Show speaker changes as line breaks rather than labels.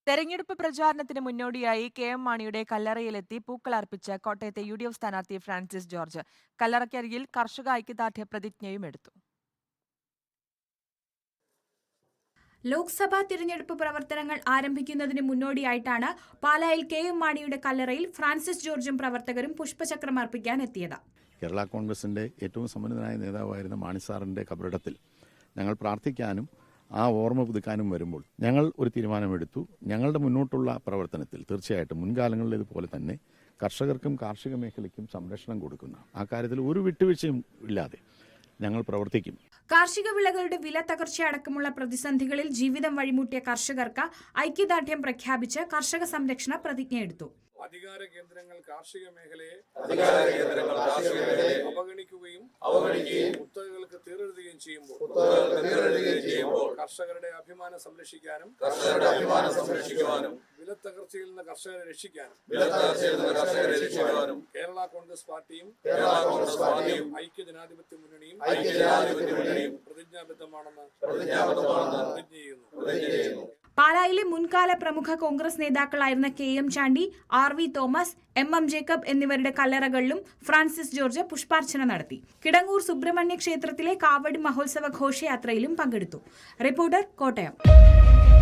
തെരഞ്ഞെടുപ്പ് പ്രചാരണത്തിന് മുന്നോടിയായി കെ.എം. മാണിയുടെ കല്ലറയിലെത്തി പൂക്കളർപ്പിച്ച് കോട്ടയത്തെ യു.ഡി.എഫ് സ്ഥാനാർത്ഥി ഫ്രാൻസിസ് ജോർജ്. കല്ലറയ്ക്കരികിൽ കർഷക ഐക്യദാർഢ്യ പ്രതിജ്ഞയും എടുത്തു.
ലോക്സഭാ തിരഞ്ഞെടുപ്പ് പ്രവർത്തനങ്ങൾ ആരംഭിക്കുന്നതിന് മുന്നോടിയായിട്ടാണ് പാലായിൽ കെ.എം. മാണിയുടെ കല്ലറയിൽ ഫ്രാൻസിസ് ജോർജും പ്രവർത്തകരും പുഷ്പചക്രം അർപ്പിക്കാൻ എത്തിയത്.
കേരള കോൺഗ്രസിന്റെ ഏറ്റവും സമ്പന്നനായ നേതാവായിരുന്ന മാണി സാറിന്റെ കബറിടത്തിൽ ഞങ്ങൾ പ്രാർത്ഥിക്കാനും ആ ഓർമ്മ പുതുക്കാനും വരുമ്പോൾ ഞങ്ങൾ ഒരു തീരുമാനമെടുത്തു. ഞങ്ങളുടെ മുന്നോട്ടുള്ള പ്രവർത്തനത്തിൽ തീർച്ചയായിട്ടും മുൻകാലങ്ങളിലേതുപോലെ തന്നെ കർഷകർക്കും കാർഷിക മേഖലയ്ക്കും സംരക്ഷണം കൊടുക്കുന്ന ആ കാര്യത്തിൽ ഒരു വിട്ടുവീഴ്ചയും ഇല്ലാതെ ഞങ്ങൾ പ്രവർത്തിക്കും.
കാർഷിക വിളകളുടെ വില തകർച്ചയടക്കമുള്ള പ്രതിസന്ധികളിൽ ജീവിതം വഴിമുട്ടിയ കർഷകർക്ക് ഐക്യദാർഢ്യം പ്രഖ്യാപിച്ച് കർഷക സംരക്ഷണ പ്രതിജ്ഞയെടുത്തു.
അധികാര കേന്ദ്രങ്ങൾ കാർഷിക മേഖലയെ അവഗണിക്കുകയും കുത്തകകൾക്ക് തീരെഴുതുകയും ചെയ്യുമ്പോൾ കർഷകരുടെ അഭിമാനം സംരക്ഷിക്കാനും വിലത്തകർച്ചയിൽ നിന്ന് കർഷകരെ രക്ഷിക്കാനും കേരള കോൺഗ്രസ് പാർട്ടിയും ഐക്യജനാധിപത്യ മുന്നണിയും പ്രതിജ്ഞാബദ്ധമാണെന്ന് പ്രതിജ്ഞ ചെയ്യുന്നു.
പാലായിലെ മുൻകാല പ്രമുഖ കോൺഗ്രസ് നേതാക്കളായിരുന്ന K M. Chandy, R V. Thomas, M M. Jacob എന്നിവരുടെ കല്ലറകളിലും ഫ്രാൻസിസ് ജോർജ് പുഷ്പാർച്ചന നടത്തി. കിടങ്ങൂർ സുബ്രഹ്മണ്യ ക്ഷേത്രത്തിലെ കാവടി മഹോത്സവ ഘോഷയാത്രയിലും പങ്കെടുത്തു. റിപ്പോർട്ടർ, കോട്ടയം.